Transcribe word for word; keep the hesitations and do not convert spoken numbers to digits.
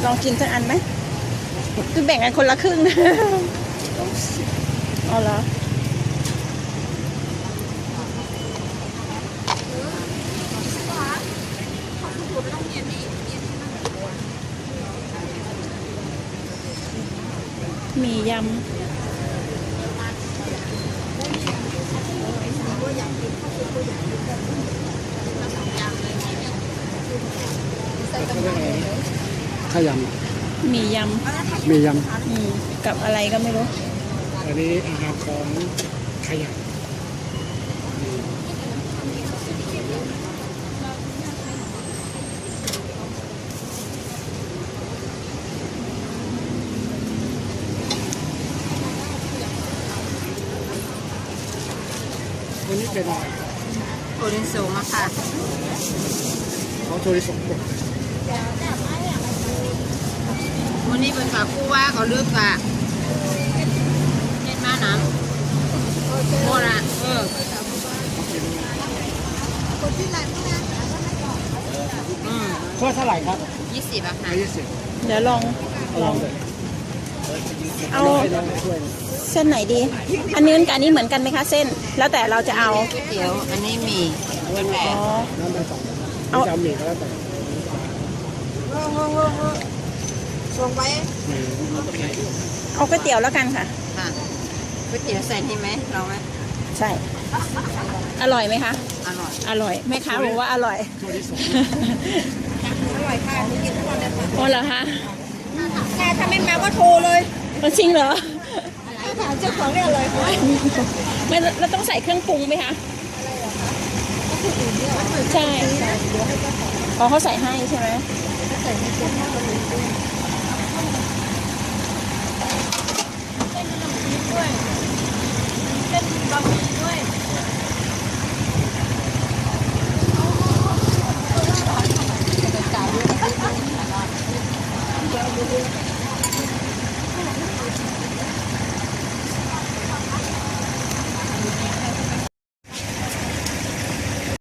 ลองกินสักอันไหมคือแบ่งกันคนละครึ่งนะอ๋อเหรอมียำข้าวยำมียำมียำกับอะไรก็ไม่รู้อันนี้อาหารของขยะวันนี้เป็นอะไรโอริโซมาค่ะเขาโชริสงกดวันนี้เป็นแบบผู้ว่าเขาเลือกอะเล่นมาน้ำโมระเอออืมข้อเท่าไหร่ครับยี่สิบอะค่ะยี่สิบเดี๋ยวลองลองเอาเส้นไหนดีอันนี้กับอันนี้เหมือนกันไหมคะเส้นแล้วแต่เราจะเอาก๋วยเตี๋ยวอันนี้มีวันแรกน้ำมันสองเอาจะมีก็แล้วแต่ส่งไปเอาก๋วยเตี๋ยวแล้วกันค่ะค่ะก๋วยเตี๋ยวใส่นี่ไหมลองไหมใช่อร่อยไหมคะอร่อยอร่อยแม่ค้าบอกว่าอร่อยอร่อยค่ะกินทุกวันเลยค่ะโอ้เหรอคะถ้าถ้าไม่มาก็โทรเลยจริงเหรอถามเจ้าของเรียกเลยไม่เราต้องใส่เครื่องปรุงไหมคะใช่อ๋อเขาใส่ให้ใช่ไหมใส่ให้